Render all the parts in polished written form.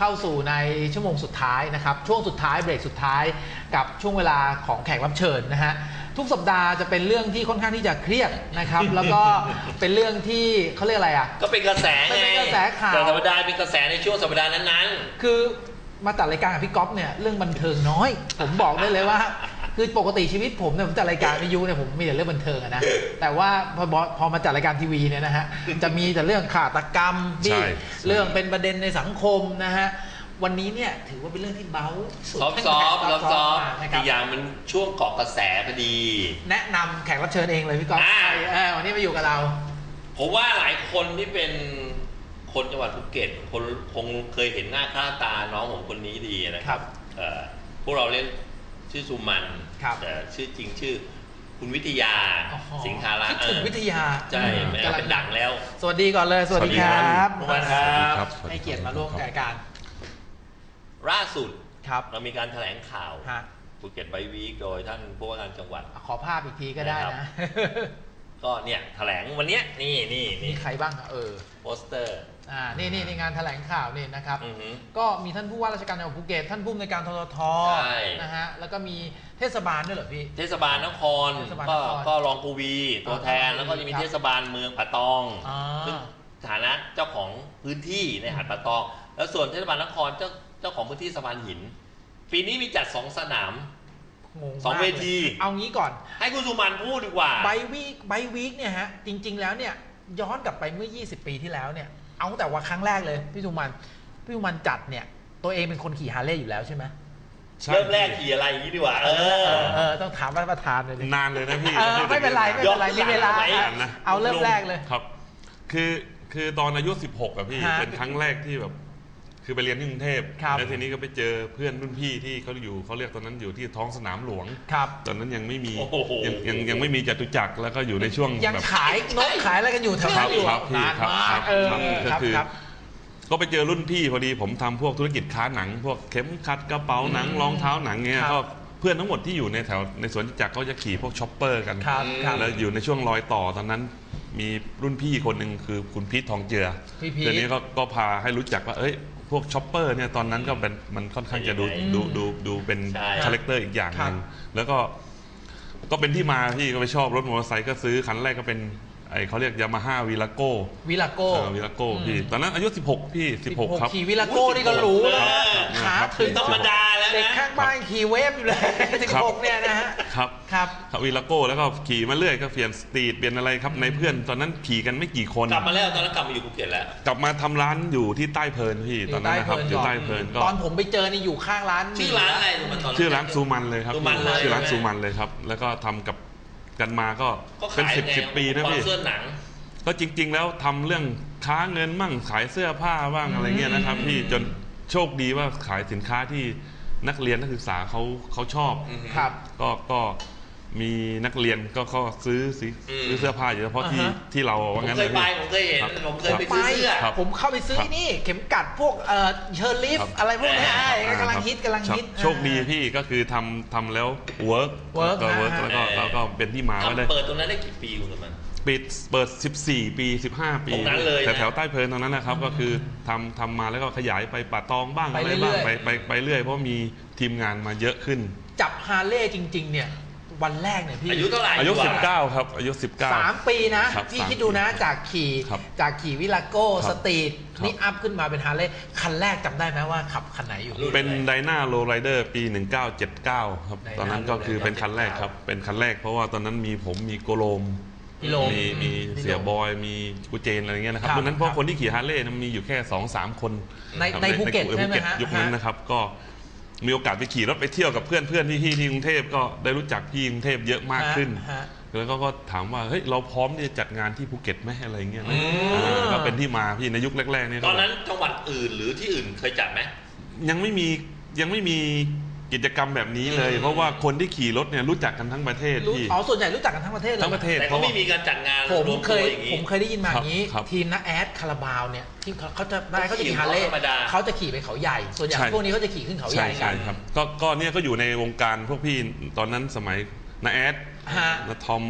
าสู่ในชั่วโมงสุดท้ายนะครับช่วงสุดท้ายเบรกสุดท้ายกับช่วงเวลาของแขกรับเชิญนะฮะทุกสัปดาห์จะเป็นเรื่องที่ค่อนข้างที่จะเครียดนะครับแล้วก็เป็นเรื่องที่เขาเรียกอะไรอ่ะก็เป็นกระแสไงเป็นกระแสข่าวแต่ธรรมดาเป็นกระแสในช่วงสัปดาห์นั้นๆคือมาตัดรายการกับพี่ก๊อฟเนี่ยเรื่องบันเทิงน้อยผมบอกได้เลยว่าคือปกติชีวิตผมเนี่ยผมจัดรายการวิทยุเนี่ยผมมีแต่เรื่องบันเทิงนะแต่ว่าพอมาจัดรายการทีวีเนี่ยนะฮะจะมีแต่เรื่องฆาตกรรมที่เรื่องเป็นประเด็นในสังคมนะฮะวันนี้เนี่ยถือว่าเป็นเรื่องที่เบาซอฟอีกอย่างมันช่วงเกาะกระแสพอดีแนะนำแขกรับเชิญเองเลยพี่ก๊อฟวันนี้มาอยู่กับเราผมว่าหลายคนที่เป็นคนจังหวัดภูเก็ตคนคงเคยเห็นหน้าค่าตาน้องผมคนนี้ดีนะครับพวกเราเรียกชื่อสุมันแต่ชื่อจริงชื่อคุณวิทยาสิงหาระคิดถึงวิทยาใช่กำลังดังแล้วสวัสดีก่อนเลยสวัสดีครับสวัสดีครับให้เกียรติมาร่วมรายการล่าสุดครับเรามีการแถลงข่าวภูเก็ตไบวีคโดยท่านผู้ว่าการจังหวัดขอภาพอีกทีก็ได้นะก็เนี่ยแถลงวันนี้นี่มีใครบ้างโปสเตอร์นี่งานแถลงข่าวนี่นะครับก็มีท่านผู้ว่าราชการจังหวัดภูเก็ตท่านผู้อำนวยการทททนะฮะแล้วก็มีเทศบาลด้วยเหรอพี่เทศบาลนครก็รองกูวีตัวแทนแล้วก็จะมีเทศบาลเมืองป่าตองซึ่งฐานะเจ้าของพื้นที่ในหาดป่าตองแล้วส่วนเทศบาลนครเจ้าของพื้นที่สะพานหินปีนี้มีจัด2 สนาม2 เวทีเอางี้ก่อนให้คุณสุมันพูดดีกว่าไบวีคเนี่ยฮะจริงๆแล้วเนี่ยย้อนกลับไปเมื่อ20 ปีที่แล้วเนี่ยเอาแต่ว่าครั้งแรกเลยพี่สุมันจัดเนี่ยตัวเองเป็นคนขี่ฮาร์เลย์อยู่แล้วใช่ไหมเริ่มแรกขี่อะไรอย่างนี้ดีกว่าต้องถามประธานเลยนานเลยนะพี่ไม่เป็นไรมีเวลาเอาเริ่มแรกเลยครับคือตอนอายุ16อะพี่เป็นครั้งแรกที่แบบคือไปเรียนที่กรุงเทพแล้วทีนี้ก็ไปเจอเพื่อนรุ่นพี่ที่เขาเรียกตอนนั้นอยู่ที่ท้องสนามหลวงตอนนั้นยังไม่มียังไม่มีจตุจักรแล้วก็อยู่ในช่วงยังขายนกขายอะไรกันอยู่แถวนั้นอยู่นานมากก็คือก็ไปเจอรุ่นพี่พอดีผมทำพวกธุรกิจค้าหนังพวกเข็มขัดกระเป๋าหนังรองเท้าหนังเงี้ยก็เพื่อนทั้งหมดที่อยู่ในแถวในสวนจตุจักรเขาจะขี่พวกช็อปเปอร์กันแล้วอยู่ในช่วงรอยต่อตอนนั้นมีรุ่นพี่คนหนึ่งคือคุณพีททองเจือทีนี้ก็พาให้รู้จักว่าพวกช็อปเปอร์เนี่ยตอนนั้นก็เป็นมันค่อนข้างจะดูเป็นคาแรคเตอร์อีกอย่างนึงแล้วก็เป็นที่มาพี่ก็ไปชอบรถมอเตอร์ไซค์ก็ซื้อคันแรกก็เป็นเขาเรียกยามาฮ่าวีลาโก้พี่ตอนนั้นอายุ16พี่16ครับขี่วีลาโก้นี่ก็รู้นะขาถึงธรรมดาแล้วเด็กข้างบ้านขี่เวฟอยู่เลย16เนี่ยนะฮะครับวีลาโก้แล้วก็ขี่มาเรื่อยก็เปลี่ยนสตรีทเปลี่ยนอะไรครับในเพื่อนตอนนั้นขี่กันไม่กี่คนกลับมาแล้วตอนนั้นกลับมาอยู่ภูเก็ตแล้วกลับมาทำร้านอยู่ที่ใต้เพลินพี่ตอนนั้นนะครับอยู่ใต้เพลินก็ตอนผมไปเจอนี่อยู่ข้างร้านชื่อร้านอะไรชื่อร้านซูมันเลยครับชื่อร้านซูมันเลยครับแล้วก็ทำกับกันมาก็เป็น10 ปีนะพี่ก็จริงๆแล้วทำเรื่องค้าเงินมั่งขายเสื้อผ้าบ้างอะไรเงี้ยนะครับพี่จนโชคดีว่าขายสินค้าที่นักเรียนนักศึกษาเขาชอบก็มีนักเรียนก็ซื้อเสื้อผ้าอยู่เฉพาะที่เราว่างั้นเลยผมเคยเห็นผมเคยไปซื้อเสื้อผมเข้าไปซื้อนี่เข็มกัดพวกเชอร์ลิฟอะไรพวกนี้กำลังฮิตโชคดีพี่ก็คือทำแล้วเวิร์กแล้วก็เป็นที่มาไว้เลยเปิดตรงนั้นได้กี่ปีคุณมันเปิด14 ปี15 ปีแถวใต้เพลินตรงนั้นนะครับก็คือทำมาแล้วก็ขยายไปป่าตองบ้างอะไรบ้างไปเรื่อยเพราะมีทีมงานมาเยอะขึ้นจับฮาร์เลย์จริงๆเนี่ยวันแรกเนี่ยพี่อายุเท่าไหร่อายุ19ครับอายุ19 3 ปีนะพี่คิดดูนะจากขี่วิลาโก้สตรีทนี่อัพขึ้นมาเป็นฮาร์เลย์คันแรกจำได้ไหมว่าขับคันไหนอยู่เป็นไดนาโรไรเดอร์ปี1979ครับตอนนั้นก็คือเป็นคันแรกครับเป็นคันแรกเพราะว่าตอนนั้นมีโกโลมมีเสียบอยมีกูเจนอะไรเงี้ยนะครับตอนนั้นเพราะคนที่ขี่ฮาร์เลย์มีอยู่แค่ 2-3 คนในภูเก็ตใช่ไหมฮะยุคนั้นนะครับก็มีโอกาสไปขี่รถไปเที่ยวกับเพื่อนที่กรุงเทพก็ได้รู้จักพี่กรุงเทพเยอะมากขึ้นแล้วก็ถามว่าเฮ้ยเราพร้อมที่จะจัดงานที่ภูเก็ตไหมอะไรเงี้ยก็เป็นที่มาพี่ในยุคแรกๆนี่ตอนนั้นจังหวัดอื่นหรือที่อื่นเคยจัดไหมยังไม่มีกิจกรรมแบบนี้เลยเพราะว่าคนที่ขี่รถเนี่ยรู้จักกันทั้งประเทศพี่ส่วนใหญ่รู้จักกันทั้งประเทศเลยแต่เขาไม่มีการจัดงานผมเคยได้ยินมาอย่างนี้ทีมนักแอดคาราบาวเนี่ยที่เขาจะขี่ฮาร์เลย์เขาจะขี่ไปเขาใหญ่ส่วนใหญ่พวกนี้เขาจะขี่ขึ้นเขาใหญ่ใช่ครับก็เนี่ยก็อยู่ในวงการพวกพี่ตอนนั้นสมัยนักแอดนักทอม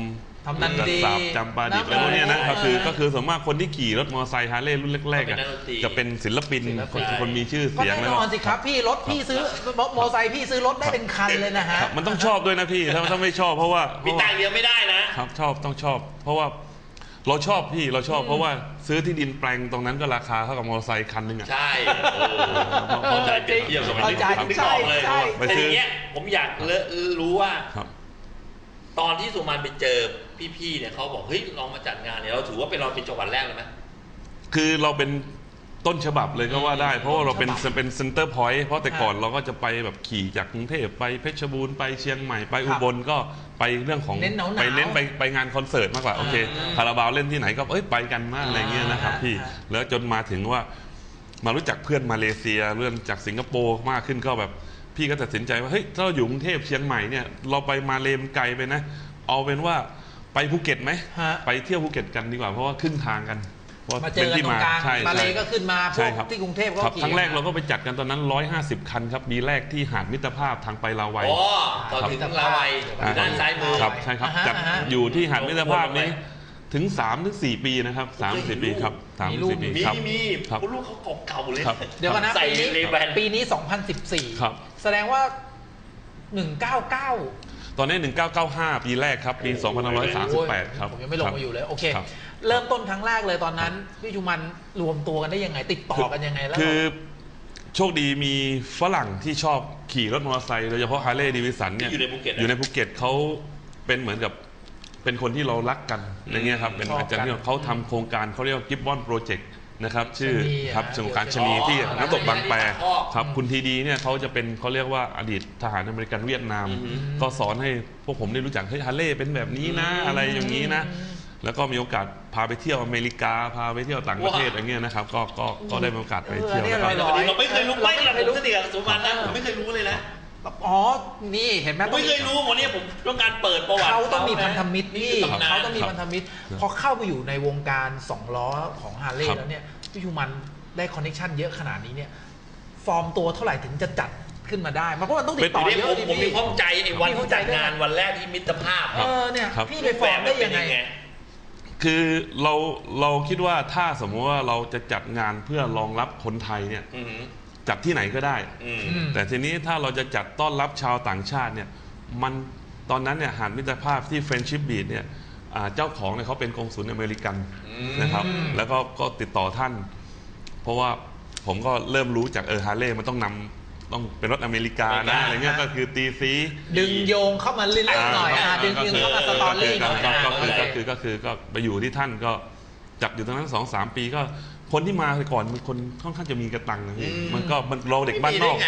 ทำนันดีสาบจำปาดิบอะไรพวกนี้นะก็คือส่วนมากคนที่ขี่รถมอเตอร์ไซค์ฮาร์เลย์รุ่นแรกๆจะเป็นศิลปินคนมีชื่อก็เสียงแน่แล้วนอนสิครับพี่รถพี่ซื้อมอเตอร์ไซค์พี่ซื้อรถได้เป็นคันเลยนะฮะมันต้องชอบด้วยนะพี่ถ้าไม่ชอบเพราะว่ามีตังค์เดียวไม่ได้นะครับชอบต้องชอบ เพราะว่าเราชอบพี่เราชอบเพราะว่าซื้อที่ดินแปลงตรงนั้นก็ราคาเท่ากับมอเตอร์ไซค์คันนึงอ่ะใช่เข้าใจเปรียบเทียบสมัยนี้นึกออกเลยแต่ทีเนี้ยผมอยากรู้ว่าตอนที่สุมันไปเจอพี่ๆเนี่ยเขาบอกเฮ้ยลองมาจัดงานเนี่ยเราถือว่าเราเป็นจังหวัดแรกเลยไหมคือเราเป็นต้นฉบับเลยก็ว่าได้เพราะว่าเราเป็นเซ็นเตอร์พอยต์เพราะแต่ก่อนเราก็จะไปแบบขี่จากกรุงเทพไปเพชรบูรณ์ไปเชียงใหม่ไปอุบลก็ไปเรื่องของไปเล่นไปงานคอนเสิร์ตมากกว่าโอเคคาราบาวเล่นที่ไหนก็ไปกันมากอะไรเงี้ยนะครับพี่แล้วจนมาถึงว่ามารู้จักเพื่อนมาเลเซียเรื่องจากสิงคโปร์มากขึ้นก็แบบพี่ก็ตัดสินใจว่าเฮ้ยถ้าเราอยู่กรุงเทพเชียงใหม่เนี่ยเราไปมาเลมไกลไปนะเอาเป็นว่าไปภูเก็ตไหมไปเที่ยวภูเก็ตกันดีกว่าเพราะว่าครึ่งทางกันมาเจอกันตรงกลางมาเลก็ขึ้นมาพวกที่กรุงเทพก็ขี่ครั้งแรกเราก็ไปจัดกันตอนนั้น150 คันครับปีแรกที่หาดมิตรภาพทางไปลาวัยตอนถึงลาวัยด้านซ้ายมือครับใช่ครับจัดอยู่ที่หาดมิตรภาพนี้ถึง3-4 ปีนะครับ3-4 ปีครับ3-4 ปีครับมีคุณลูกเขาเก่าเลยเดี๋ยวกันนะปีนี้2014แสดงว่า199 ตอนนี้1995ปีแรกครับปี2538ครับผมยังไม่ลงมาอยู่เลยโอเคเริ่มต้นครั้งแรกเลยตอนนั้นพี่ชุมันรวมตัวกันได้ยังไงติดต่อกันยังไงแล้วคือโชคดีมีฝรั่งที่ชอบขี่รถมอเตอร์ไซค์โดยเฉพาะฮาร์เลย์ดีวิสันเนี่ยอยู่ในภูเก็ตเขาเป็นเหมือนกับเป็นคนที่เรารักกันอย่างเงี้ยครับเป็นอาจารย์ที่เขาทำโครงการเขาเรียกว่ากิฟบอนโปรเจกต์นะครับชื่อครับโครงการชนีที่น้ำตกบางแปครับคุณทีดีเนี่ยเขาจะเป็นเขาเรียกว่าอดีตทหารอเมริกันเวียดนามก็สอนให้พวกผมได้รู้จักเฮ้ยฮาร์เลย์เป็นแบบนี้นะอะไรอย่างนี้นะแล้วก็มีโอกาสพาไปเที่ยวอเมริกาพาไปเที่ยวต่างประเทศอะไรเงี้ยนะครับก็ได้มีโอกาสไปเที่ยวเราไม่เคยรู้ไม่เราผมสนิทกับสุวรรณนะผมไม่เคยรู้เลยนะอ๋อนี่เห็นไหมไม่เคยรู้วันนี้ผมต้องการเปิดประวัติเขาต้องมีพันธมิตรนี่เขาต้องมีพันธมิตรพอเข้าไปอยู่ในวงการ2 ล้อของฮาร์เลย์แล้วเนี่ยพี่ชูมันได้คอนเนคชั่นเยอะขนาดนี้เนี่ยฟอร์มตัวเท่าไหร่ถึงจะจัดขึ้นมาได้มันก็ต้องติดต่อเยอะผมมีความใจไอ้วันที่จัดงานวันแรกที่มิตรภาพเนี่ยพี่ไปฟอร์มได้ยังไงคือเราคิดว่าถ้าสมมติว่าเราจะจัดงานเพื่อรองรับคนไทยเนี่ยจัดที่ไหนก็ได้แต่ทีนี้ถ้าเราจะจัดต้อนรับชาวต่างชาติเนี่ยมันตอนนั้นเนี่ยหาดมิตรภาพที่เฟรนชิปบีชเนี่ยเจ้าของเนี่ยเขาเป็นกงสุลอเมริกันนะครับแล้วก็ติดต่อท่านเพราะว่าผมก็เริ่มรู้จากฮาร์เลย์มันต้องเป็นรถอเมริกานะอะไรเงี้ยก็คือตีซีดึงโยงเข้ามาเรื่อยๆหน่อยดึงเข้ามาสตอรี่หน่อยก็ไปอยู่ที่ท่านก็จัดอยู่ตรงนั้น 2-3 ปีก็คนที่มาก่อนมันคนค่อนข้างจะมีกระตังนะพี่มันเราเด็กบ้านนอก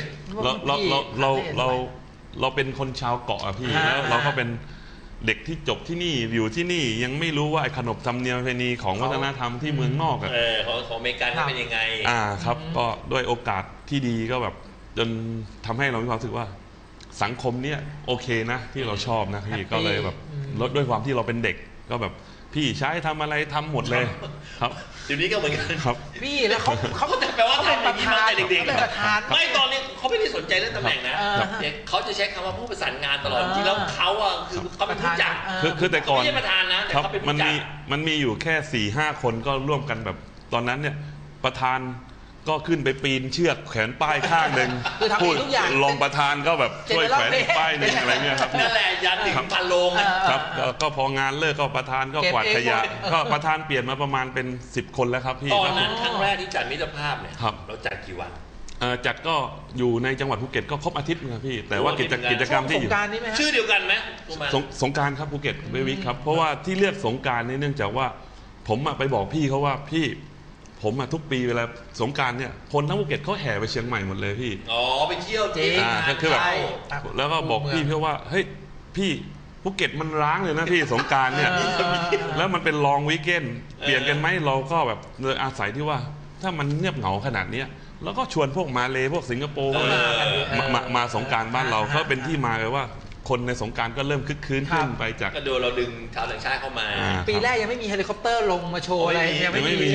เราเป็นคนชาวเกาะอะพี่แล้วเราก็เป็นเด็กที่จบที่นี่อยู่ที่นี่ยังไม่รู้ว่าไอ้ขนบธรรมเนียมประเพณีของวัฒนธรรมที่เมืองนอกอะของอเมริกันเป็นยังไงครับก็ด้วยโอกาสที่ดีก็แบบจนทำให้เรามีความรู้สึกว่าสังคมเนี้ยโอเคนะที่เราชอบนะพี่ก็เลยแบบลดด้วยความที่เราเป็นเด็กก็แบบพี่ใช้ทำอะไรทำหมดเลยครับเดี๋ยวนี้ก็เหมือนกันครับพี่แล้วเขาแปลว่าทำประธานเด็กๆไม่ตอนนี้เขาไม่ได้สนใจเรื่องตำแหน่งนะเขาจะใช้คำว่าผู้ประสานงานตลอดจริงแล้วเขาคือเขาเป็นผู้จัดคือแต่ก่อนไม่ใช่ประธานนะแต่เขาเป็นผู้จัดมันมีอยู่แค่ 4-5 คนก็ร่วมกันแบบตอนนั้นเนี่ยประธานก็ขึ้นไปปีนเชือกแขวนป้ายข้างหนึ่งพูดรองประธานก็แบบช่วยแขวนป้ายหนึ่งอะไรเงี้ยครับนั่นแหละยันถึงพันโลงครับก็พองานเลิกก็ประธานก็กวาดขยะก็ประธานเปลี่ยนมาประมาณเป็น10 คนแล้วครับพี่ตอนนั้นครั้งแรกที่จัดมิตรภาพเนี่ยเราจัดกี่วันจัดก็อยู่ในจังหวัดภูเก็ตก็ครบอาทิตย์นะพี่แต่ว่ากิจกรรมที่อยู่ชื่อเดียวกันไหมสงกรานต์ครับภูเก็ตเบวิกครับเพราะว่าที่เลือกสงกรานต์นี่เนื่องจากว่าผมไปบอกพี่เขาว่าพี่ผมทุกปีเวลาสงกรานต์เนี่ยคนทั้งภูเก็ตเขาแห่ไปเชียงใหม่หมดเลยพี่ไปเที่ยวจริงคือแบบแล้วก็บอกพี่เขาว่าเฮ้ยพี่ภูเก็ตมันร้างเลยนะพี่สงกรานต์เนี่ยแล้วมันเป็นลองวีคเอนด์เปลี่ยนกันไหมเราก็แบบเลยอาศัยที่ว่าถ้ามันเงียบเหงาขนาดนี้แล้วก็ชวนพวกมาเลพวกสิงคโปร์มาสงกรานต์บ้านเราก็เป็นที่มาเลยว่าคนในสงกรานต์ก็เริ่มคึกคืนขึ้นไปจากก็ดูเราดึงชาวต่างชาติเข้ามาปีแรกยังไม่มีเฮลิคอปเตอร์ลงมาโชว์อะไรยังไม่มี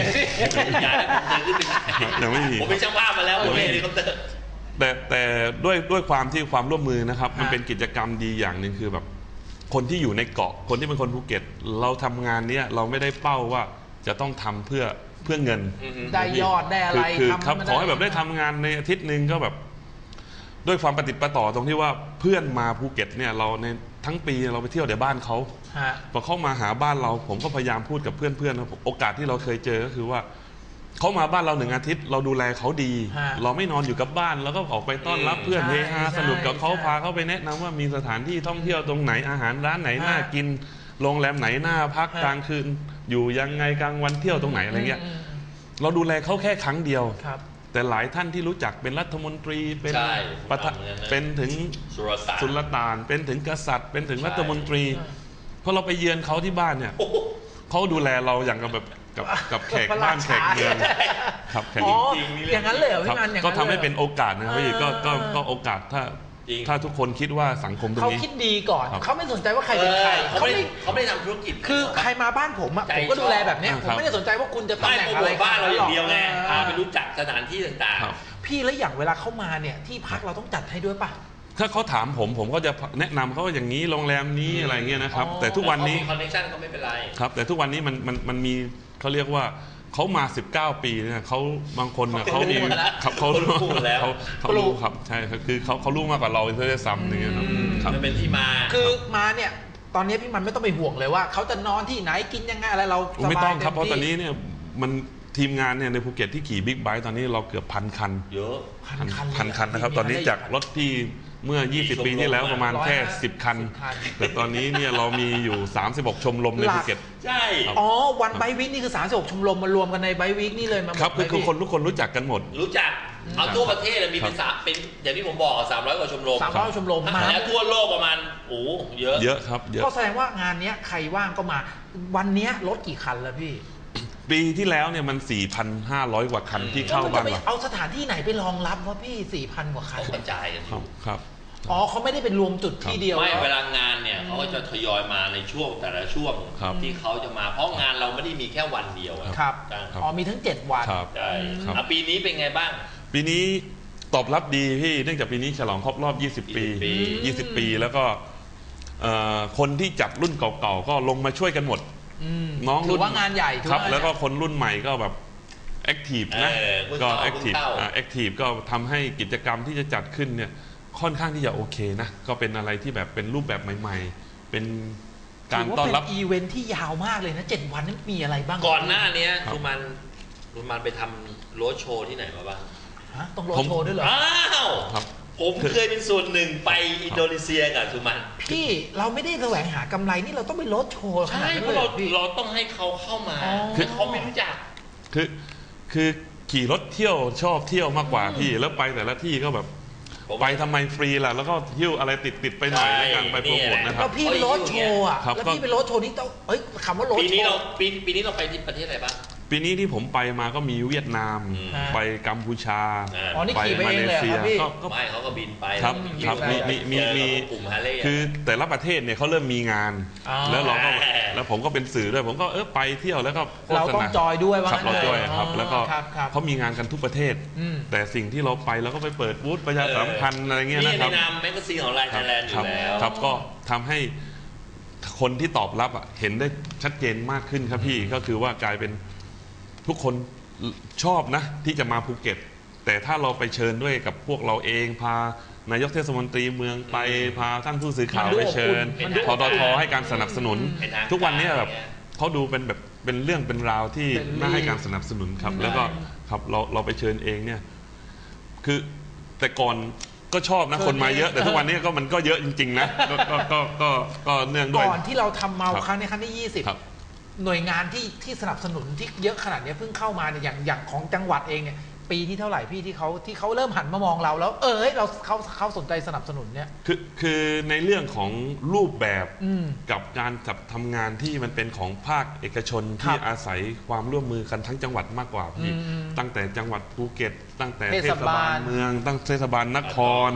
ยังไม่มีผมเป็นช่างภาพมาแล้วผมเฮลิคอปเตอร์แต่ด้วยความที่ความร่วมมือนะครับมันเป็นกิจกรรมดีอย่างหนึ่งคือแบบคนที่อยู่ในเกาะคนที่เป็นคนภูเก็ตเราทำงานเนี้ยเราไม่ได้เป้าว่าจะต้องทำเพื่อเงินได้ยอดได้อะไรคือครับขอให้แบบได้ทำงานในอาทิตย์หนึ่งก็แบบด้วยความประติดประต่อตรงที่ว่าเพื่อนมาภูเก็ตเนี่ยเราในทั้งปีเราไปเที่ยวเดี๋ยวบ้านเขาพอเข้ามาหาบ้านเราผมก็พยายามพูดกับเพื่อนๆโอกาสที่เราเคยเจอก็คือว่าเขามาบ้านเรา1 อาทิตย์เราดูแลเขาดีเราไม่นอนอยู่กับบ้านแล้วก็ออกไปต้อนรับเพื่อนเฮฮาสนุกกับเขาพาเขาไปแนะนำว่ามีสถานที่ท่องเที่ยวตรงไหนอาหารร้านไหนน่ากินโรงแรมไหนน่าพักกลางคืนอยู่ยังไงกลางวันเที่ยวตรงไหนอะไรเงี้ยเราดูแลเขาแค่ครั้งเดียวแต่หลายท่านที่รู้จักเป็นรัฐมนตรีเป็นเป็นถึงสุลต่านเป็นถึงกษัตริย์เป็นถึงรัฐมนตรีพอเราไปเยือนเขาที่บ้านเนี่ยเขาดูแลเราอย่างกับแขกบ้านแขกเมืองครับแขกอย่างนั้นเลยพี่มันก็ทำให้เป็นโอกาสนะครับพี่ก็โอกาสถ้าทุกคนคิดว่าสังคมตรงนี้เขาคิดดีก่อนเขาไม่สนใจว่าใครเป็นใครเขาไม่ได้ทำธุรกิจคือใครมาบ้านผมผมก็ดูแลแบบนี้ผมไม่ได้สนใจว่าคุณจะตำแหน่งอะไรบ้านเราอย่างเดียวไงไปรู้จักสถานที่ต่างๆพี่แล้วอย่างเวลาเข้ามาเนี่ยที่พักเราต้องจัดให้ด้วยป่ะถ้าเขาถามผมก็จะแนะนำเขาอย่างนี้โรงแรมนี้อะไรเงี้ยนะครับแต่ทุกวันนี้คอนเนคชั่นก็ไม่เป็นไรครับแต่ทุกวันนี้มันมีเขาเรียกว่าเขามา19 ปีเนี่ยเขาบางคนเขามีครับเขารู้ครับใช่คือเขารู้มากกว่าเราเพื่อจะซ้ำอย่างเงี้ยครับมันเป็นที่มาคือมาเนี่ยตอนนี้พี่มันไม่ต้องไปห่วงเลยว่าเขาจะนอนที่ไหนกินยังไงอะไรเราไม่ต้องครับเพราะตอนนี้เนี่ยมันทีมงานเนี่ยในภูเก็ตที่ขี่บิ๊กไบค์ตอนนี้เราเกือบ1,000 คันเยอะพันคันนะครับตอนนี้จากรถที่เมื่อ20 ปีที่แล้วประมาณแค่10 คันแต่ตอนนี้เนี่ยเรามีอยู่36 ชมรมในภูเก็ตใช่อ๋อวันไบวิกนี่คือ36 ชมรมมารวมกันในไบวิกนี่เลยมาครับคือคนทุกคนรู้จักกันหมดรู้จักเอาทั่วประเทศมีเป็นอย่างที่ผมบอก300 กว่าชมรม 300 ชมรมมาแล้วทั่วโลกประมาณเยอะครับเยอะก็แสดงว่างานนี้ใครว่างก็มาวันนี้รถกี่คันแล้วพี่ปีที่แล้วเนี่ยมัน 4,500 กว่าคันที่เข้าบ้านเราเอาสถานที่ไหนไปรองรับวะพี่ 4,000 กว่าคันกระจายกันครับอ๋อเขาไม่ได้เป็นรวมจุดที่เดียวไม่เวลางานเนี่ยเขาก็จะทยอยมาในช่วงแต่ละช่วงที่เขาจะมาเพราะงานเราไม่ได้มีแค่วันเดียวครับอ๋อมีทั้ง7 วันใช่ปีนี้เป็นไงบ้างปีนี้ตอบรับดีพี่เนื่องจากปีนี้ฉลองครบรอบ20 ปีแล้วก็คนที่จับรุ่นเก่าๆก็ลงมาช่วยกันหมดน้องรุ่นว่างานใหญ่ครับแล้วก็คนรุ่นใหม่ก็แบบแอคทีฟนะก็แอคทีฟก็ทำให้กิจกรรมที่จะจัดขึ้นเนี่ยค่อนข้างที่จะโอเคนะก็เป็นอะไรที่แบบเป็นรูปแบบใหม่ๆเป็นการต้อนรับอีเวนท์ที่ยาวมากเลยนะ7 วันนั้นมีอะไรบ้างก่อนหน้านี้คุณมันไปทำโรดโชว์ที่ไหนมาบ้างต้องโรดโชว์ด้วยเหรออ้าวผมเคยเป็นส่วนหนึ่งไปอินโดนีเซียกับสุมันพี่เราไม่ได้แสวงหากำไรนี่เราต้องไปโรดโชว์ใช่เพราะเราต้องให้เขาเข้ามาคือเขาไม่รู้จักคือขี่รถเที่ยวชอบเที่ยวมากกว่าพี่แล้วไปแต่ละที่ก็แบบไปทำไมฟรีล่ะแล้วก็หิ้วอะไรติดไปหน่อยในการไปโปรโมทนะครับแล้วพี่ไปโรดโชว์อ่ะแล้วพี่ไปโรดโชว์นี่ต้องคำว่าโรดโชว์ปีนี้เราไปที่ประเทศอะไรบ้างปีนี้ที่ผมไปมาก็มีเวียดนามไปกัมพูชาไปมาเลเซียก็ไม่เขาก็บินไปครับมีคือแต่ละประเทศเนี่ยเขาเริ่มมีงานแล้วผมก็เป็นสื่อด้วยผมก็ไปเที่ยวแล้วก็เราต้องจอยด้วยว่าเราจอยครับแล้วก็เขามีงานกันทุกประเทศแต่สิ่งที่เราไปเราก็ไปเปิดบูธประชาสัมพันธ์อะไรเงี้ยนะครับในนามแมกกาซีนของไลน์ไทยแลนด์อยู่แล้วครับก็ทำให้คนที่ตอบรับเห็นได้ชัดเจนมากขึ้นครับพี่ก็คือว่ากลายเป็นทุกคนชอบนะที่จะมาภูเก็ตแต่ถ้าเราไปเชิญด้วยกับพวกเราเองพานายกเทศมนตรีเมืองไปพาท่านผู้สื่อข่าวไปเชิญททให้การสนับสนุนทุกวันนี้แบบเขาดูเป็นแบบเป็นเรื่องเป็นราวที่น่าให้การสนับสนุนครับแล้วก็ครับเราไปเชิญเองเนี่ยคือแต่ก่อนก็ชอบนะคนมาเยอะแต่ทุกวันนี้ก็มันก็เยอะจริงๆนะก็เนื่องด้วยก่อนที่เราทำเมาครั้งในครั้งที่20หน่วยงานที่สนับสนุนที่เยอะขนาดนี้เพิ่งเข้ามาเนี่ยอย่างของจังหวัดเองเนี่ยปีที่เท่าไหร่พี่ที่เขาเริ่มหันมามองเราแล้วเขาสนใจสนับสนุนเนี่ยคือในเรื่องของรูปแบบกับการจัดทำงานที่มันเป็นของภาคเอกชนที่อาศัยความร่วมมือกันทั้งจังหวัดมากกว่าพี่ตั้งแต่จังหวัดภูเก็ตตั้งแต่เทศบาลเมืองตั้งเทศบาลนคร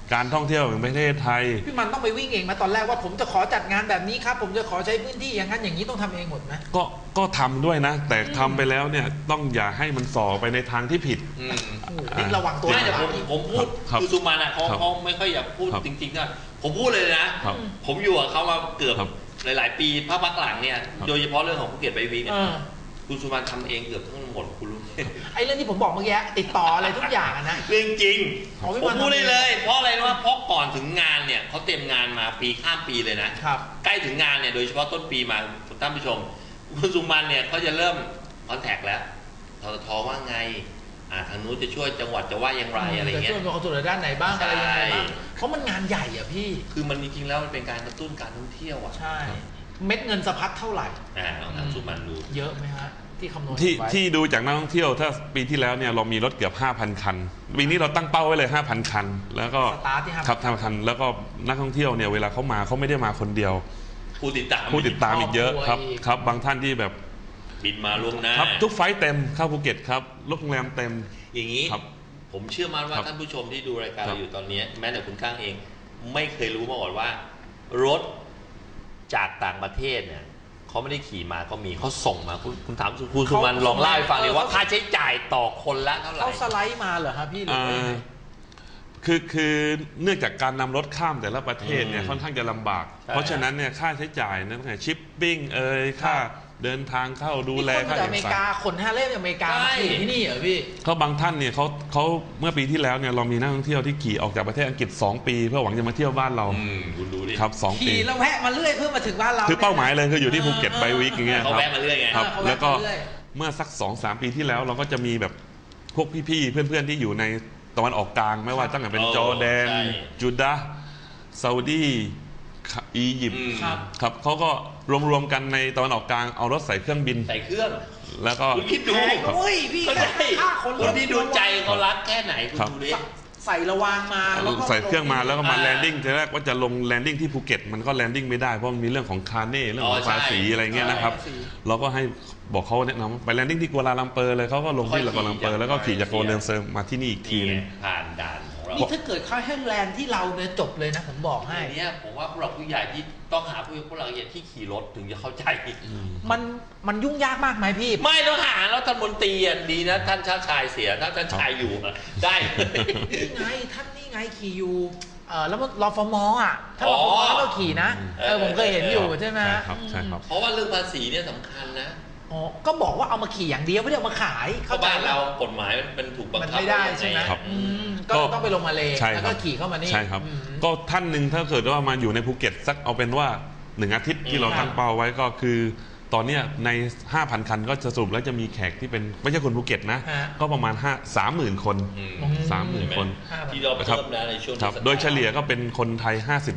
การท่องเที่ยวแห่งประเทศไทยพี่มันต้องไปวิ่งเองมาตอนแรกว่าผมจะขอจัดงานแบบนี้ครับผมจะขอใช้พื้นที่อย่างนั้นอย่างนี้ต้องทำเองหมดไหมก็ทำด้วยนะแต่ทำไปแล้วเนี่ยต้องอย่าให้มันส่อไปในทางที่ผิดนี่ระวังตัวแต่ผมพูดคือสุมาณะเขาไม่ค่อยอยากพูดจริงๆก็ผมพูดเลยนะผมอยู่กับเขามาเกือบหลายๆปีพักหลังเนี่ยโดยเฉพาะเรื่องของภูเก็ตไบวีเนี่ยคุณสุมาณทำเองเกือบทั้งหมดคุณรู้ไอ้เรื่องที่ผมบอกเมื่อกี้ติดต่ออะไรทุกอย่างนะเรื่องจริงผมพูดเลยเพราะอะไรว่าเพราะก่อนถึงงานเนี่ยเขาเตรียมงานมาปีข้ามปีเลยนะครับใกล้ถึงงานเนี่ยโดยเฉพาะต้นปีมาท่านผู้ชมคุณสุมาณเนี่ยเขาจะเริ่มคอนแทคแล้วททว่าไงทางนู้นจะช่วยจังหวัดจะว่าอย่างไรอะไรเงี้ยจะช่วยเอาส่วนด้านไหนบ้างอะไรยังไงบ้างเพราะมันงานใหญ่อ่ะพี่คือมันจริงๆแล้วมันเป็นการกระตุ้นการท่องเที่ยวอ่ะใช่เม็ดเงินสะพัดเท่าไหร่ลองทำสุมาณดูเยอะไหมฮะที่คำนวณที่ดูจากนักท่องเที่ยวถ้าปีที่แล้วเนี่ยเรามีรถเกือบ 5,000 คันปีนี้เราตั้งเป้าไว้เลย 5,000 คันแล้วก็สตาร์ทที่ 5,000 คันแล้วก็นักท่องเที่ยวเนี่ยเวลาเขามาเขาไม่ได้มาคนเดียวผู้ติดตามอีกเยอะครับบางท่านที่แบบบินมาล่วงหน้าครับทุกไฟล์เต็มเข้าภูเก็ตครับโรงแรมเต็มอย่างนี้ผมเชื่อมั่นว่าท่านผู้ชมที่ดูรายการเราอยู่ตอนนี้แม้แต่คุณก้างเองไม่เคยรู้มาก่อนว่ารถจากต่างประเทศเนี่ยเขาไม่ได้ขี่มาก็มีเขาส่งมาคุณถามคุณสุมาณลองเล่าให้ฟังเลยว่าค่าใช้จ่ายต่อคนละเท่าไหร่เขาสไลด์มาเหรอครับพี่หรือคือเนื่องจากการนำรถข้ามแต่ละประเทศเนี่ยค่อนข้างจะลำบากเพราะฉะนั้นเนี่ยค่าใช้จ่ายนั่นคือชิปปิ้งค่าเดินทางเข้าดูแลค่าเอกสารอเมริกาคน5เล่มจากอเมริกามาขี่ที่นี่เหรอพี่เขาบางท่านเนี่ยเขาเมื่อปีที่แล้วเนี่ยเรามีนักท่องเที่ยวที่ขี่ออกจากประเทศอังกฤษ2 ปีเพื่อหวังจะมาเที่ยวบ้านเราคุณดูดิครับ2 ปีขี่แล้วแวะมาเรื่อยเพื่อมาถึงบ้านเราคือเป้าหมายเลยคืออยู่ที่ภูเก็ตไบวีคอย่างเงี้ยเขาแวะมาเรื่อยไงครับแล้วก็เมื่อสัก 2-3 ปีที่แล้วเราก็จะมีแบบพวกพี่ๆเพื่อนๆที่อยู่ในตะวันออกกลางไม่ว่าตั้งแต่เป็นจอร์แดนจูดาห์ซาอุดีอียิปต์ครับเขาก็รวมกันในตะวันออกกลางเอารถใส่เครื่องบินใส่เครื่องแล้วก็คุณคิดดูพี่คนที่ดูใจเขารักแค่ไหนคุณดูดิใส่ระวางมาแล้วก็ใส่เครื่องมาแล้วก็มาแลนดิ้งทีแรกว่าจะลงแลนดิ้งที่ภูเก็ตมันก็แลนดิ้งไม่ได้เพราะมันมีเรื่องของคาร์เน่เรื่องของภาษีอะไรเงี้ยนะครับเราก็ให้บอกเขาแนะนำไปแลนดิ้งที่กัวลาลัมเปอร์เลยเขาก็ลงที่กัวลาลัมเปอร์แล้วก็ขี่จากกัวลาลัมเปอร์มาที่นี่อีกทีนึงผ่านด่านนี่ถ้าเกิดเข้าให้แลนด์ที่เราเนี่ยจบเลยนะผมบอกให้เนี่ยผมว่าผู้หลักผู้ใหญ่ที่ต้องหาผู้หลักผู้ใหญ่ที่ขี่รถถึงจะเข้าใจมันยุ่งยากมากไหมพี่ไม่ต้องหาแล้วท่านมนตรีดีนะท่านชาติชายเสียถ้าท่านชายอยู่ได้นี่ไงท่านนี่ไงขี่อยู่แล้วรฟม.ถ้ารฟม.แล้วเราขี่นะผมเคยเห็นอยู่ใช่ไหมใช่ครับเพราะว่าเรื่องภาษีเนี่ยสำคัญนะก็บอกว่าเอามาขี่อย่างเดียวไม่ได้เอามาขายเข้าบ้านเรากฎหมายมันถูกบังคับไม่ได้ใช่ไหมก็ต้องไปลงมาเลยแล้วก็ขี่เข้ามานี่ใช่ครับก็ท่านหนึ่งถ้าเกิดว่ามาอยู่ในภูเก็ตสักเอาเป็นว่า1 อาทิตย์ที่เราตั้งเป้าไว้ก็คือตอนนี้ใน 5,000 คันก็จะสรุปแล้วจะมีแขกที่เป็นไม่ใช่คนภูเก็ตนะก็ประมาณ30,000 คน30,000 คนที่เราเพิ่มนะในช่วงโดยเฉลี่ยก็เป็นคนไทย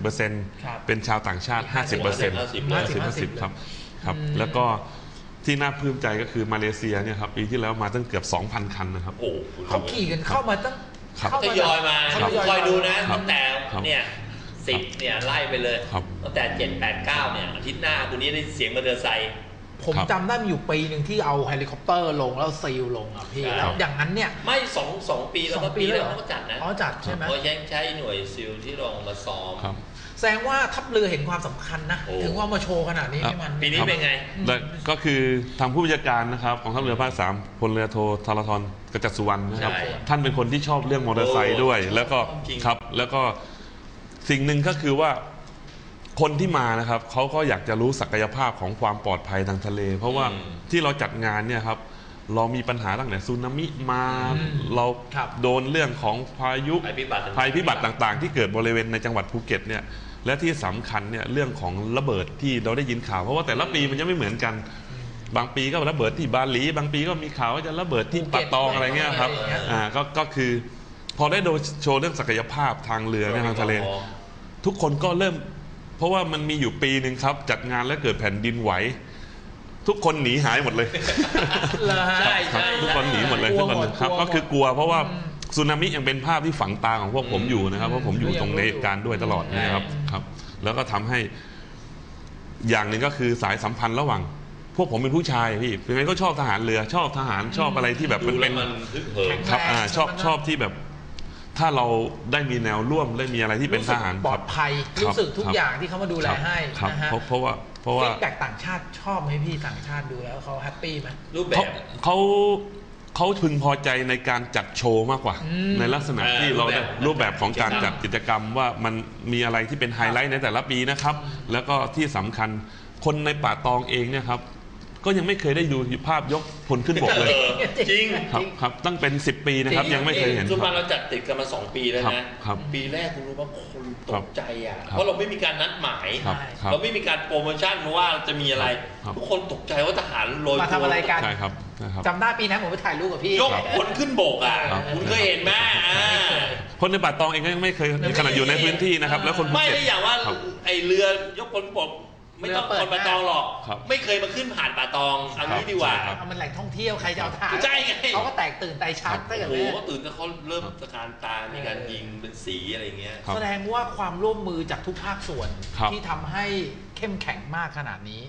50% เป็นชาวต่างชาติ 50% ครับแล้วก็ที่น่าพึงใจก็คือมาเลเซียเนี่ยครับปีที่แล้วมาตั้งเกือบ 2,000 คันนะครับเขาขี่กันเข้ามาตั้งทยอยมาคอยดูนะตั้งแต่เนี่ย10เนี่ยไล่ไปเลยตั้งแต่7 8 9เนี่ยอาทิตย์หน้าคุณนี้ได้เสียงมอเตอร์ไซค์ผมจำได้มีอยู่ปีหนึ่งที่เอาเฮลิคอปเตอร์ลงแล้วซีลลงอ่ะพี่แล้วอย่างนั้นเนี่ยไม่2 ปีแล้วก็ปีแล้วเขาจัดนะจัดใช่ไหมเขายังใช้หน่วยซีลที่ลงมาซ้อมแสดงว่าทัพเรือเห็นความสำคัญนะถึงว่ามาโชว์ขนาดนี้ให้มันปีนี้เป็นไงก็คือทางผู้บัญชาการนะครับของทัพเรือภาค3พลเรือโทธารธรกจัดสุวรรณนะครับท่านเป็นคนที่ชอบเรื่องมอเตอร์ไซค์ด้วยแล้วก็ครับแล้วก็สิ่งหนึ่งก็คือว่าคนที่มานะครับเขาก็อยากจะรู้ศักยภาพของความปลอดภัยทางทะเลเพราะว่าที่เราจัดงานเนี่ยครับเรามีปัญหาตั้งแต่สึนามิมาเราโดนเรื่องของพายุภัยพิบัติต่างๆที่เกิดบริเวณในจังหวัดภูเก็ตเนี่ยและที่สำคัญเนี่ยเรื่องของระเบิดที่เราได้ยินข่าวเพราะว่าแต่ละปีมันจะไม่เหมือนกันบางปีก็ระเบิดที่บาหลีบางปีก็มีข่าวว่าจะระเบิดที่ปะตองอะไรเงี้ยครับก็คือพอได้โชว์เรื่องศักยภาพทางเรือในทางทะเลทุกคนก็เริ่มเพราะว่ามันมีอยู่ปีหนึ่งครับจัดงานแล้วเกิดแผ่นดินไหวทุกคนหนีหายหมดเลยใช่ทุกคนหนีหมดเลยทุกคนครับก็คือกลัวเพราะว่าสึนามิยังเป็นภาพที่ฝังตาของพวกผมอยู่นะครับเพราะผมอยู่ตรงในเหตุการณ์ด้วยตลอดนะครับแล้วก็ทำให้อย่างหนึ่งก็คือสายสัมพันธ์ระหว่างพวกผมเป็นผู้ชายพี่เป็นไงก็ชอบทหารเรือชอบทหารชอบอะไรที่แบบมันเป็นครับชอบที่แบบถ้าเราได้มีแนวร่วมได้มีอะไรที่เป็นทหารปลอดภัยรู้สึกทุกอย่างที่เขามาดูแลให้ครับนะฮะเพราะว่าฟีดแบ็กต่างชาติชอบไหมพี่ต่างชาติดูแล้วเขาแฮปปี้ไหมรูปแบบเขาพึงพอใจในการจัดโชว์มากกว่าในลักษณะที่เราได้รูปแบบของการจัดกิจกรรมว่ามันมีอะไรที่เป็นไฮไลท์ในแต่ละปีนะครับแล้วก็ที่สำคัญคนในป่าตองเองเนี่ยครับก็ยังไม่เคยได้ดูภาพยกพลขึ้นบกเลยจริงครับตั้งเป็น10 ปีนะครับยังไม่เคยเห็นสุพรรณเราจัดติดกันมา2 ปีแล้วนะปีแรกคุณรู้ว่าคนตกใจอ่ะเพราะเราไม่มีการนัดหมายเราไม่มีการโปรโมชั่นว่าจะมีอะไรทุกคนตกใจว่าทหารโรยมาทำอะไรกันใช่ครับจำได้ปีนั้นผมไปถ่ายรูปกับพี่ยกพลขึ้นบกอ่ะคุณเคยเห็นไหมคนในป่าตองเองก็ยังไม่เคยขนาดอยู่ในพื้นที่นะครับแล้วคนไม่ได้อย่างว่าไอเรือยกพลบกไม่ต้องคนป่าตองหรอกไม่เคยมาขึ้นผ่านป่าตองเอางี้ดีกว่ามันแหล่งท่องเที่ยวใครจะเอาถ่ายใช่ไงเขาก็แตกตื่นใจชัดตั้งแต่โอ้โหก็ตื่นก็เขาเริ่มตะการตามีการยิงเป็นสีอะไรเงี้ยแสดงว่าความร่วมมือจากทุกภาคส่วนที่ทำให้เข้มแข็งมากขนาดนี้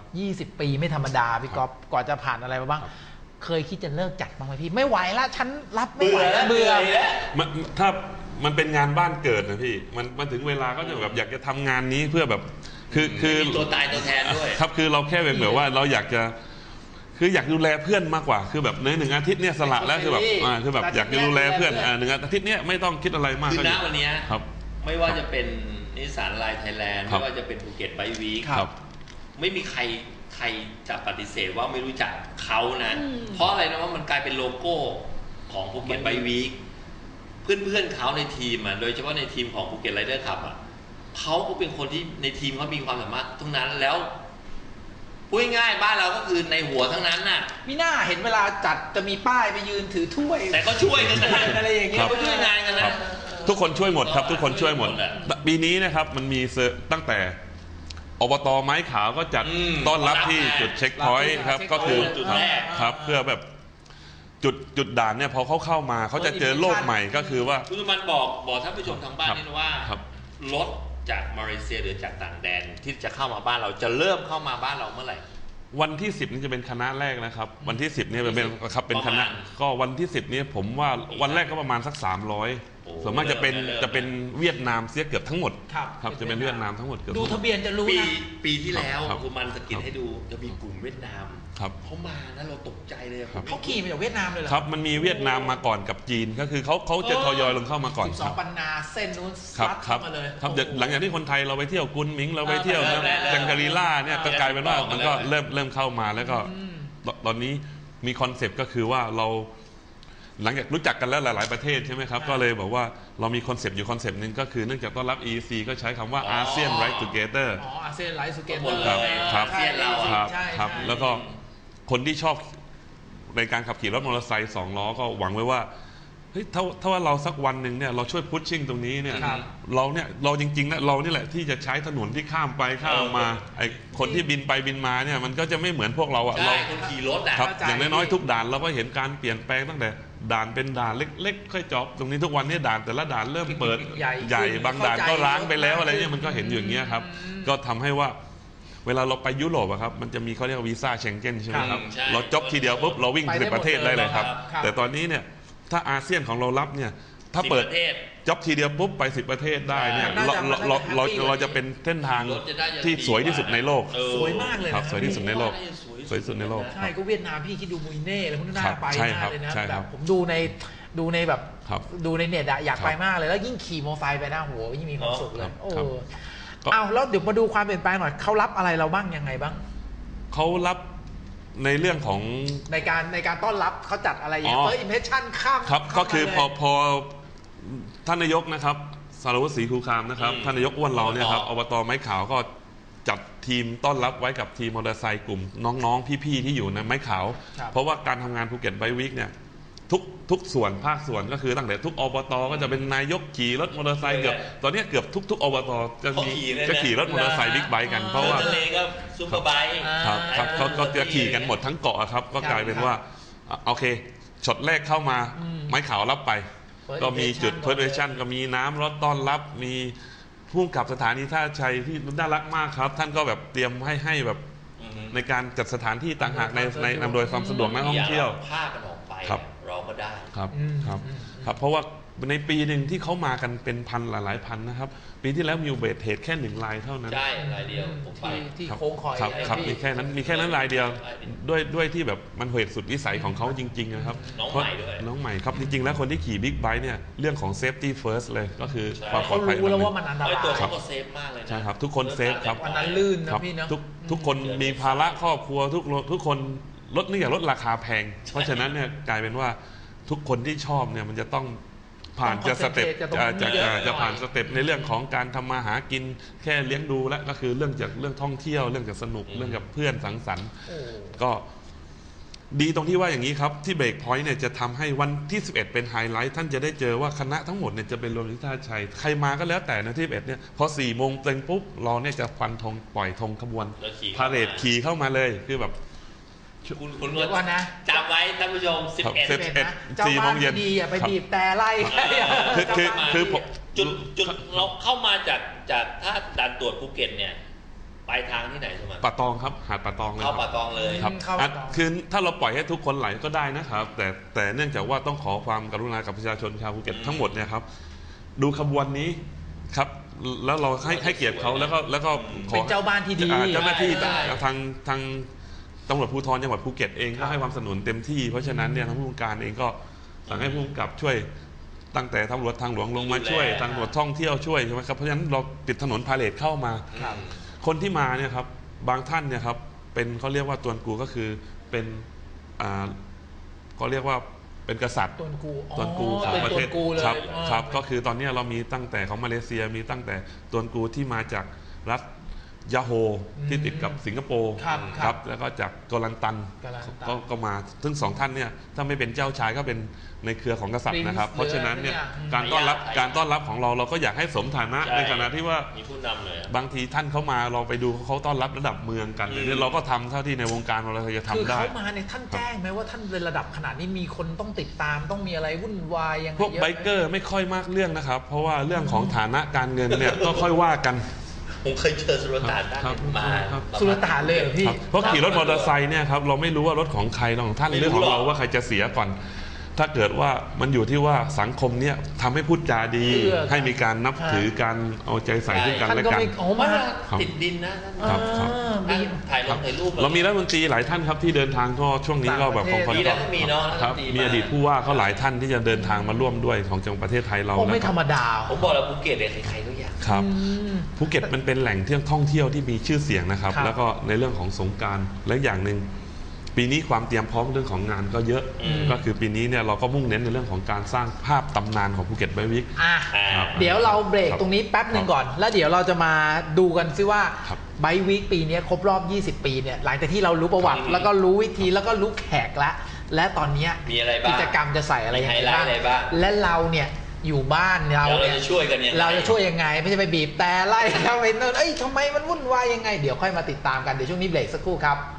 20 ปีไม่ธรรมดาพี่ก๊อฟกว่าจะผ่านอะไรมาบ้างเคยคิดจะเลิกจัดบ้างไหมพี่ไม่ไหวแล้วฉันรับไม่ไหวแล้วเบื่อถ้ามันเป็นงานบ้านเกิดนะพี่มันถึงเวลาก็จะแบบอยากจะทำงานนี้เพื่อแบบคือตัวตายตัวแทนด้วยครับคือเราแค่แบบว่าเราอยากจะอยากดูแลเพื่อนมากกว่าคือแบบใน1 อาทิตย์เนี่ยสละแล้วคือแบบอยากจะดูแลเพื่อน1 อาทิตย์เนี่ยไม่ต้องคิดอะไรมากคือณวันนี้ไม่ว่าจะเป็นนิสสันไลน์ไทยแลนด์ไม่ว่าจะเป็นภูเก็ตไบค์วีคไม่มีใครจะปฏิเสธว่าไม่รู้จักเขานะเพราะอะไรนะว่ามันกลายเป็นโลโก้ของภูเก็ตไบค์วีคเพื่อนเขาในทีมอ่ะโดยเฉพาะในทีมของภูเก็ตไรเดอร์คลับอ่ะเขาก็เป็นคนที่ในทีมเขามีความสามารถทั้งนั้นแล้วพูดง่ายๆบ้านเราก็คือในหัวทั้งนั้นน่ะมีหน้าเห็นเวลาจัดจะมีป้ายไปยืนถือถ้วยแต่ก็ช่วยกันนะอะไรอย่างเงี้ยเขาช่วยงานกันนะทุกคนช่วยหมดครับทุกคนช่วยหมดปีนี้นะครับมันมีตั้งแต่อบต.ไม้ขาวก็จัดต้อนรับที่จุดเช็คพอยต์ครับก็คือจุดแรกครับเพื่อแบบจุดด่านเนี่ยพอเขาเข้ามาเขาจะเจอโลกใหม่ก็คือว่าคุณมันบอกท่านผู้ชมทางบ้านนี่ว่ารถจากมาเลเซียหรือจากต่างแดนที่จะเข้ามาบ้านเราจะเริ่มเข้ามาบ้านเราเมื่อไหร่วันที่10นี่จะเป็นคณะแรกนะครับวันที่10เนี่ยเป็นคณะก็วันที่10นี่ผมว่าวันแรกก็ประมาณสัก300ส่วนมากจะเป็นเวียดนามเสียเกือบทั้งหมดครับจะเป็นเวียดนามทั้งหมดเกือบดูทะเบียนจะรู้นะปีที่แล้วคุณมันสกิดให้ดูจะมีกลุ่มเวียดนามเขามานะเราตกใจเลยเขาขี่มาจากเวียดนามเลยเหรอครับมันมีเวียดนามมาก่อนกับจีนก็คือเขาจะทยอยลงเข้ามาก่อน 12 ปันนาเส้นนู้นซัดเข้ามาเลยครับหลังจากที่คนไทยเราไปเที่ยวกุนมิงเราไปเที่ยวจังการีล่าเนี่ยก็กลายเป็นว่ามันก็เริ่มเข้ามาแล้วก็ตอนนี้มีคอนเซปต์ก็คือว่าเราหลังจากรู้จักกันแล้วหลายๆประเทศใช่ไหมครับก็เลยบอกว่าเรามีคอนเซปต์อยู่คอนเซปต์นึงก็คือเนื่องจากต้อนรับ EEC ก็ใช้คำว่า ASEAN Ride Together อาเซียนไลฟ์ทูเกเตอร์ครับครับแล้วก็คนที่ชอบในการขับขี่รถมอเตอร์ไซค์2 ล้อก็หวังไว้ว่าเฮ้ยถ้าว่าเราสักวันหนึ่งเนี่ยเราช่วยพุชชิ่งตรงนี้เนี่ยเราจริงๆนะเรานี่แหละที่จะใช้ถนนที่ข้ามไปข้ามมาไอ้คนที่บินไปบินมาเนี่ยมันก็จะไม่เหมือนพวกเราอ่ะเราคนขี่รถครับอย่างน้อยๆทุกด่านเราก็เห็นการเปลี่ยนแปลงตั้งแต่ด่านเป็นด่านเล็กๆค่อยจบตรงนี้ทุกวันนี้ด่านแต่ละด่านเริ่มเปิดใหญ่บางด่านก็ร้างไปแล้วอะไรเนี่ยมันก็เห็นอยู่อย่างเงี้ยครับก็ทำให้ว่าเวลาเราไปยุโรปอะครับมันจะมีเขาเรียกว่าวีซ่าเชงเก้นใช่ไหมครับเราจบทีเดียวปุ๊บเราวิ่ง10 ประเทศได้เลยครับแต่ตอนนี้เนี่ยถ้าอาเซียนของเรารับเนี่ยถ้าเปิดจ็อบทีเดียวปุ๊บไป10 ประเทศได้เนี่ยเราจะเป็นเส้นทางที่สวยที่สุดในโลกสวยมากเลยครับสวยที่สุดในโลกสวยที่สุดในโลกใช่ก็เวียดนามพี่คิดดูมุยเน่แล้วคุณน่าไปมากเลยนะแบบผมดูในแบบดูในเน็ตอะอยากไปมากเลยแล้วยิ่งขี่มอเตอร์ไซค์ไปหน้าหัวยิ่งมีความสุขเลยโอ้เอาแล้วเดี๋ยวมาดูความเปลี่ยนแปลงหน่อยเขารับอะไรเราบ้างยังไงบ้างเขารับในเรื่องของในการต้อนรับเขาจัดอะไรอย่างเฟิร์สอิมเพรสชั่นข้ามครับก็คือพอท่านนายกนะครับสารวัตรศรีคูคามนะครับท่านนายกอ้วนเราเนี่ยครับอบต.ไม้ขาวก็จัดทีมต้อนรับไว้กับทีมมอเตอร์ไซค์กลุ่มน้องๆพี่ๆที่อยู่ในไม้ขาวเพราะว่าการทำงานภูเก็ตไบค์วีคเนี่ยทุกส่วนภาคส่วนก็คือตั้งแต่ทุกอบต.ก็จะเป็นนายกขี่รถมอเตอร์ไซค์เกือบตอนนี้เกือบทุกอบต.จะขี่รถมอเตอร์ไซค์บิ๊กไบค์กันเพราะว่าซุปเปอร์ไบค์ครับเขาจะขี่กันหมดทั้งเกาะครับก็กลายเป็นว่าโอเคช็อตแรกเข้ามาไม้ขาวรับไปก็มีจุดเพิร์ทเวชั่นก็มีน้ำรถต้อนรับมีผู้กับสถานีท่าชัยที่น่ารักมากครับท่านก็แบบเตรียมให้แบบในการจัดสถานที่ต่างหากในอำนวยความสะดวกนักท่องเที่ยวภาพกันออกไปเราก็ได้ครับเพราะว่าในปีหนึ่งที่เขามากันเป็นพันหลายพันนะครับปีที่แล้วมีอุบัติเหตุแค่1 รายเท่านั้นใช่รายเดียวผมไปที่โค้งคอยครับมีแค่นั้นรายเดียวด้วยที่แบบมันเหตุสุดวิสัยของเขาจริงๆนะครับน้องใหม่ด้วยน้องใหม่ครับจริงๆแล้วคนที่ขี่บิ๊กไบค์เนี่ยเรื่องของ safety first เลยก็คือความปลอดภัยรู้แล้วว่ามันอันตรายตัวเขาก็เซฟมากเลยใช่ครับทุกคนเซฟครับวันนั้นลื่นนะพี่เนาะทุกคนมีภาระครอบครัวทุกคนเนื่องจากลดราคาแพงเพราะฉะนั้นเนี่ยกลายเป็นว่าทุกคนที่ชอบเนี่ยมันจะต้องผ่านจะสเต็ปจะผ่านสเต็ปในเรื่องของการทำมาหากินแค่เลี้ยงดูแล้วก็คือเรื่องท่องเที่ยวเรื่องจากสนุกเรื่องกับเพื่อนสังสรรค์ก็ดีตรงที่ว่าอย่างนี้ครับที่เบรกพอยต์เนี่ยจะทำให้วันที่11เป็นไฮไลท์ท่านจะได้เจอว่าคณะทั้งหมดเนี่ยจะเป็นรวมที่ท่าชัยใครมาก็แล้วแต่นะที่11เนี่ยพอ4 โมงเต็มปุ๊บเราเนี่ยจะฟันธงปล่อยธงขบวนพาเหรดขี่เข้ามาเลยคือแบบคุณว่านะจำไว้ท่านผู้ชม11 นะเจ้าบ้านดีอย่าไปบีบแต่ไล่คือจุดเราเข้ามาจากถ้าด่านตรวจภูเก็ตเนี่ยปลายทางที่ไหนใช่ไหมป่าตองครับหาดป่าตองเลยเข้าป่าตองเลยครับคือถ้าเราปล่อยให้ทุกคนไหลก็ได้นะครับแต่เนื่องจากว่าต้องขอความกรุณากับประชาชนชาวภูเก็ตทั้งหมดเนี่ยครับดูขบวนนี้ครับแล้วเราให้เกียรติเขาแล้วก็ขอเป็นเจ้าบ้านที่ดีเจ้าหน้าที่ทางตำรวจภูธรจังหวัดภูเก็ตเองก็ให้ความสนับสนุนเต็มที่เพราะฉะนั้นเนี่ยทางผู้บัญชาการเองก็สั่งให้ผู้กำกับช่วยตั้งแต่ตำรวจทางหลวงลงมาช่วยตำรวจท่องเที่ยวช่วยใช่ไหมครับเพราะฉะนั้นเราปิดถนนพาเหรดเข้ามาคนที่มาเนี่ยครับบางท่านเนี่ยครับเป็นเขาเรียกว่าตวนกูก็คือเป็นเขาเรียกว่าเป็นกษัตริย์ตวนกูของประเทศครับก็คือตอนนี้เรามีตั้งแต่ของมาเลเซียมีตั้งแต่ตวนกูที่มาจากรัฐยาโฮที่ติดกับสิงคโปร์ครับแล้วก็จากกอลันตันก็มาทั้ง2 ท่านเนี่ยถ้าไม่เป็นเจ้าชายก็เป็นในเครือของกษัตริย์นะครับเพราะฉะนั้นเนี่ยการต้อนรับของเราก็อยากให้สมฐานะในขณะที่ว่ามีผู้นำเลยบางทีท่านเขามาเราไปดูเขาต้อนรับระดับเมืองกันเนี่ยเราก็ทำเท่าที่ในวงการเราจะทำได้คือเขามาเนี่ยท่านแจ้งไหมว่าท่านเป็นระดับขนาดนี้มีคนต้องติดตามต้องมีอะไรวุ่นวายยังไงพวกไบเกอร์ไม่ค่อยมากเรื่องนะครับเพราะว่าเรื่องของฐานะการเงินเนี่ยก็ค่อยว่ากันผมเคยเจอสุลต่านมาสุลต่านเลยพี่เพราะขี่รถมอเตอร์ไซค์เนี่ยครับเราไม่รู้ว่ารถของใครของท่านเรื่องของเราว่าใครจะเสียก่อนถ้าเกิดว่ามันอยู่ที่ว่าสังคมเนี่ยทำให้พูดจาดีให้มีการนับถือการเอาใจใส่ซึ่งกันและกันติดดินนะครับถ่ายรูปเรามีรัฐมนตรีหลายท่านครับที่เดินทางก็ช่วงนี้ก็แบบของคนก็มีอดีตผู้ว่าเขาหลายท่านที่จะเดินทางมาร่วมด้วยของจังหวัดประเทศไทยเราไม่ธรรมดาผมบอกแล้วภูเก็ตเนี่ยใครๆก็อยากครับภูเก็ตมันเป็นแหล่งท่องเที่ยวที่มีชื่อเสียงนะครับแล้วก็ในเรื่องของสงกรานต์และอย่างหนึ่งปีนี้ความเตรียมพร้อมเรื่องของงานก็เยอะก็คือปีนี้เนี่ยเราก็มุ่งเน้นในเรื่องของการสร้างภาพตำนานของภูเก็ตไบวิกเดี๋ยวเราเบรกตรงนี้แป๊บหนึ่งก่อนแล้วเดี๋ยวเราจะมาดูกันซิว่าไบวิกปีนี้ครบรอบ20 ปีเนี่ยหลังจากที่เรารู้ประวัติแล้วก็รู้วิธีแล้วก็รู้แขกละและตอนนี้กิจกรรมจะใส่อะไรยังไงบ้างและเราเนี่ยอยู่บ้านเราจะช่วยกันยังไงเราจะช่วยยังไงไม่ใช่ไปบีบแต่ไล่เขาไปโน่นทำไมมันวุ่นวายยังไงเดี๋ยวค่อยมาติดตามกันเดี๋ยวช่วงนี้เบรกสักครู่ครับ